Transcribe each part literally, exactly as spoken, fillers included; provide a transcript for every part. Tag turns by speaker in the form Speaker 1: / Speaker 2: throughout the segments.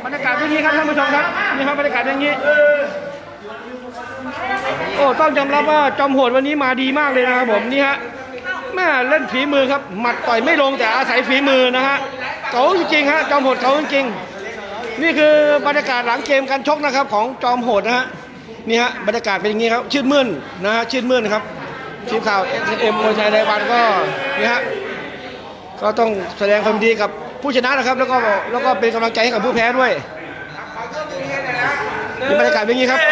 Speaker 1: บรรยากาศอย่างนี้ครับท่านผู้ชมครับนี่ครับบรรยากาศอย่างนี้โอ้ต้องยอมรับว่าจอมโหดวันนี้มาดีมากเลยนะครับผมนี่ฮะแม่เล่นฝีมือครับหมัดต่อยไม่ลงแต่อาศัยฝีมือนะฮะเก๋าจริงๆฮะจอมโหดเก๋าจริงๆนี่คือบรรยากาศหลังเกมการชกนะครับของจอมโหดนะฮะนี่ฮะบรรยากาศเป็นอย่างนี้ครับชื่นมื่นนะฮะชื่นมื่นนะครับทีมข่าว เอส เอ็ม มวยไทยรายวันก็นี่ฮะก็ต้องแสดงความดีกับผู้ชนะนะครับแล้วก็แล้วก็เป็นกำลังใจให้กับผู้แพ้ด้วยนี่บรรยากาศเป็นอย่างนี้ครับ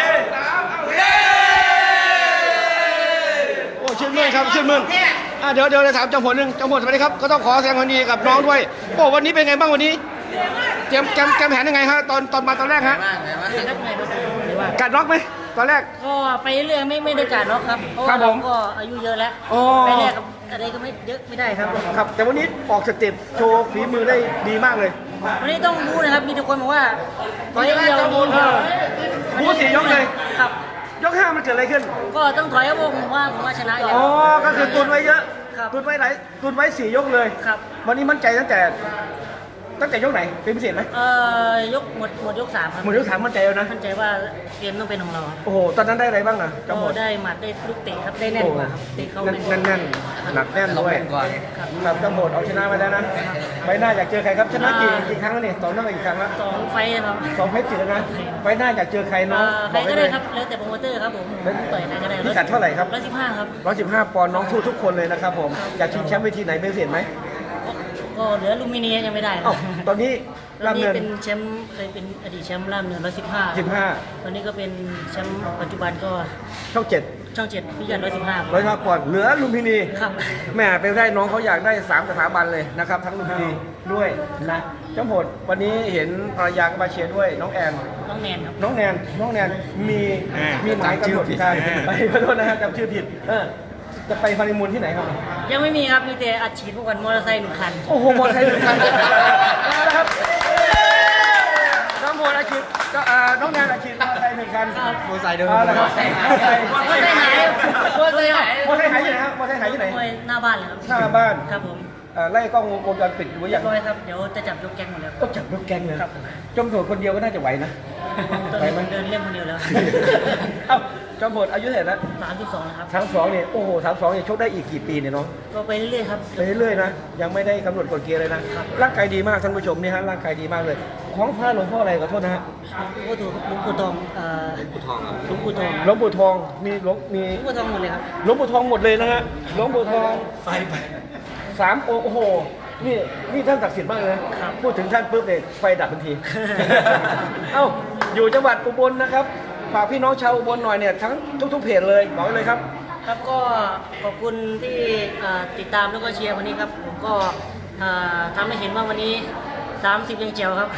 Speaker 1: โอ้ชื่นมื่นครับชื่นมื่นอ่ะเดี๋ยวเดี๋ยวจะถามจอมโหดหนึ่งจอมโหดสวัสดีครับก็ต้องขอแสดงความดีกับน้องด้วยโอ้วันนี้เป็นไงบ้างวันนี้เตรียมแกมแกมแผนยังไงฮะตอนตอนมาตอนแรกฮะกัดน็อกไหมตอนแรก
Speaker 2: ก็ไปเรื่อยไม่ไม่ได้การน็อกครับเพราะว่าเราก็อายุเยอะแล้วไปแรกอะไรก็ไม่เยอะไม่ได้ครับ
Speaker 1: ครับแต่วันนี้ออกสเต็ปโชว์ฝีมือได้ดีมากเลย
Speaker 2: วันนี้ต้องรู้นะครับมีทุกคนบอกว่าถอยเดียวดี
Speaker 1: บู๊สี่ยกเลย
Speaker 2: ครับ
Speaker 1: ยกห้ามันเกิดอะไรขึ้น
Speaker 2: ก็ต้องถอยครับผมว่าผมว่าชนะแล้ว
Speaker 1: อ๋อก็คือตุนไว้เยอะตุนไว้หลายตุนไว้สี่ยกเลย
Speaker 2: ครับ
Speaker 1: วันนี้มั่นใจตั้งแต่ตั้งแต่ยกไหนเป็นพิเศษไหม
Speaker 2: เอ่อยกหมดหมดยกสามครับ
Speaker 1: หมดยกสามมั่นใจแล้วนะ
Speaker 2: มั่นใจว่าเกมต้องเป็นของเรา
Speaker 1: โอ้โหตอนนั้นได้อะไรบ้างอ่ะ
Speaker 2: ก็ได้หมัดได้ลูกเตะครับได้แน่นกว่าครับเตะเข้า
Speaker 1: แน่นแน่นหนักแน่นด้วยครับจำโหดเอาชนะมาแล้วนะไฟหน้าอยากเจอใครครับชนะกี่กี่ครั้งแล้วนี่ต่อเนื่องอีกครั้งแล้ว
Speaker 2: สองไฟครับ
Speaker 1: สองไฟติดแล้วนะไฟหน้าอยากเจอใครน้อง
Speaker 2: ใครก็ได้ครับแล้วแต่โปรโมเตอร์ครับผมต่อยใครก็ได้
Speaker 1: พิกัดเท่าไหร่ครับ
Speaker 2: ร้อยสิบห้าครับ
Speaker 1: ร้อยสิบห้าปอนด์น้องสู้ทุกคนเลยนะครับผมอยากชิงแชมป์เวทีไหนเป็นพิเศษไหม
Speaker 2: ก็เหลือลูมิเนียยังไม่ได้
Speaker 1: ตอนนี้
Speaker 2: ล่ามเนินเป็นแชมป์เคยเป็นอดีตแชมป์ล่ามเนินร้อยสิบห้า
Speaker 1: สิบห้า
Speaker 2: ตอนนี้ก็เป็นแชมป์ปัจจุบันก็
Speaker 1: ช่องเจ็ด
Speaker 2: ช่องเจ็ดพิกัดร้อยสิบห้า
Speaker 1: ร้อยห้าปอนด์เหลือลุมพินี
Speaker 2: ครับ
Speaker 1: แม่ไปได้น้องเขาอยากได้สามสถาบันเลยนะครับทั้งลุมพินีด้วยนะเจ้าโหดวันนี้เห็นภรรยาก็มาเชียร์ด้วยน้องแอน
Speaker 2: น้องแนนครับ
Speaker 1: น้องแนนน้องแนนมีมีหมายกำหนดการไปขอโทษนะฮะจำชื่อผิดจะไปฟาริมูลที่ไหนครับ
Speaker 2: ยังไม่มีครับมีแต่อัดฉีดพวกกันมอเตอร์ไซค์หนึ่งคัน
Speaker 1: โอ้โหมอเตอร์ไซค์หนึ่งคันนะครับน้องโมอัดฉีดก็น้องแนนอัดฉีดมอเตอร์ไซค์หนึ่งคัน
Speaker 2: มอเตอร์ไซค์เดิม
Speaker 1: มอเตอร์ไซค์มอเตอร์ไซค์
Speaker 2: มอเตอร์ไซค์ไหนมอเตอร์ไซค์ไหน
Speaker 1: มอเตอร์ไซค์ไหนที่ไหนครับมอเตอร์ไซค์ไหนที่ไหน
Speaker 2: หน้าบ้านเลยครับ
Speaker 1: หน้าบ้าน
Speaker 2: ครับผม
Speaker 1: ไล่กล้องวงจรปิดดูอย่าง
Speaker 2: ร้อยครับเดี๋ยวจะจับยกแก๊งหมดแล้ว
Speaker 1: ก็จับยกแก๊งเลยจอมโหดคนเดียวก็น่าจะไหวนะ
Speaker 2: ไปมันเดินเล่นคนเดียวแล้ว
Speaker 1: เอ้าจอมโหดอายุเท่าไหร่แล้ว
Speaker 2: สามสิบสองนะครับ
Speaker 1: สามสองเนี่ยโอ้โหสามสองเนี่ยชกได้อีกกี่ปีเนี่ยน้อง
Speaker 2: ก็ไปเรื่อยๆครับ
Speaker 1: ไปเรื่อยๆนะยังไม่ได้กำหนดกฎเกณฑ์เลยนะร่างกายดีมากท่านผู้ชมนี่ฮะร่างกายดีมากเลยของพระหลวงพ่ออะไรขอโทษนะฮะ
Speaker 2: หลวงปู่หลวงปู่ทองเอ่อหลวงปู่ทองครับหลวงปู่ทอง
Speaker 1: หลวงปู่ทองมีหลวงมี
Speaker 2: หลวงปู่ทองหมดเลยครับ
Speaker 1: หลวงปู่ทองหมดเลยนะฮะหลวงปู่ทองไฟไปสามโอ้โหนี่นี่ท่านศักดิ์สิทธิ์มากเลยพูดถึงท่านปุ๊บเนี่ยไฟดับทันทีเอ้าอยู่จังหวัดอุบลนะครับฝากพี่น้องชาวอุบลหน่อยเนี่ยทั้งทุกๆเพจเลยบอกเลยครับ
Speaker 2: ครับก็ขอบคุณที่ติดตามแล้วก็เชียร์วันนี้ครับผมก็ทำให้เห็นว่าวันนี้สามสิบยังเจียวครับ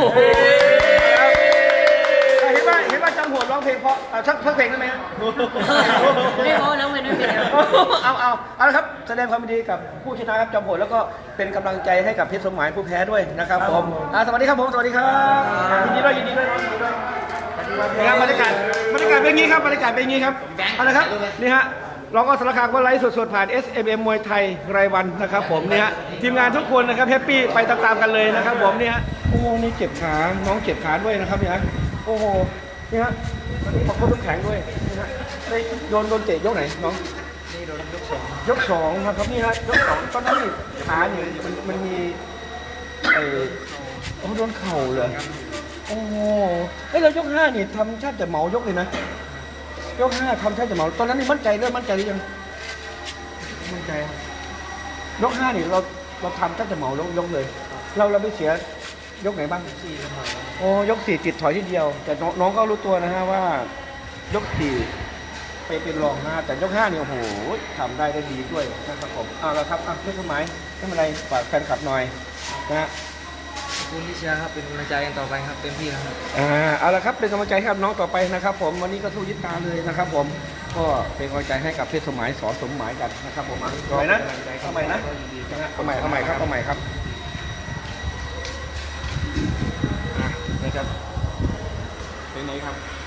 Speaker 1: เห็นว่าเห็นว่าจำโหดร้องเพลงเพราะชักชักเพลงได้ไหมครับ
Speaker 2: ไม่เพราะแล้วไม่ได้เพลง
Speaker 1: เอาเอาเอาละครับแสดงความยินดีกับผู้ชนะครับจำโหดแล้วก็เป็นกำลังใจให้กับเพชรสมหมายผู้แพ้ด้วยนะครับผมสวัสดีครับผมสวัสดีครับยินดีด้วยยินดีด้วยยินดีด้วยนะครับบรรยากาศบรรยากาศเป็นงี้ครับบรรยากาศเป็นงี้ครับเอาละครับนี่ฮะเราก็สารคามก็ไลฟ์สดๆผ่าน เอส เอ็ม เอ็ม มวยไทยรายวันนะครับผมนี่ฮะทีมงานทุกคนนะครับแฮปปี้ไปตามๆกันเลยนะครับผมนี่ฮะโอ้โหนี่เจ็บขาน้องเจ็บขาด้วยนะครับนี่ฮะโอ้โหนี่ฮะขอบคุณทุกแข็งด้วยนี่ฮะโดนโดนเตะยกไหนน้อง
Speaker 2: นี่โดนยกสอง
Speaker 1: ยกสองครับนี่ฮะยกสองตอนนั้นนี่ขาเนี่ยมันมันมีไอ้โอ้โดนเข่าเลยโอ้โหเฮ้ยเรายกห้านี่ทำชาติแต่เหมายกเลยนะยกห้าทำชาติแต่เหมาตอนนั้นนี่มั่นใจเริ่มมั่นใจหรือยัง
Speaker 2: มั่นใจ
Speaker 1: ยกห้านี่เราเราทำชาติแต่เหมายกยกเลยเราเราไม่เสียยกไหนบ้าง
Speaker 2: สี่
Speaker 1: โอ้ยกสี่จิตถอยทีเดียวแต่น้องก็รู้ตัวนะฮะว่ายกสี่ไปเป็นรองห้าแต่ยกห้านี่โอ้โหทำได้ได้ดีด้วยนะครับผมเอาละครับอ่ะเพื่อนสมัยไม่เป็นไรฝากแฟนคลับหน่อยนะฮะ
Speaker 2: ขอบคุณที่เชียร์ครับเป็นกำลังใจกันต่อไปครับเต็มที่นะครับ
Speaker 1: อ่าเอาละครับเป็นกำลังใจให้น้องต่อไปนะครับผมวันนี้ก็สู้ยึดตาเลยนะครับผมก็เป็นกำลังใจให้กับเพชรสมัยสอนสมหมายกันนะครับผมทำไมนะทำไมนะทำไมทำไมครับทำไมครับนี่ครับเป็นไงครับ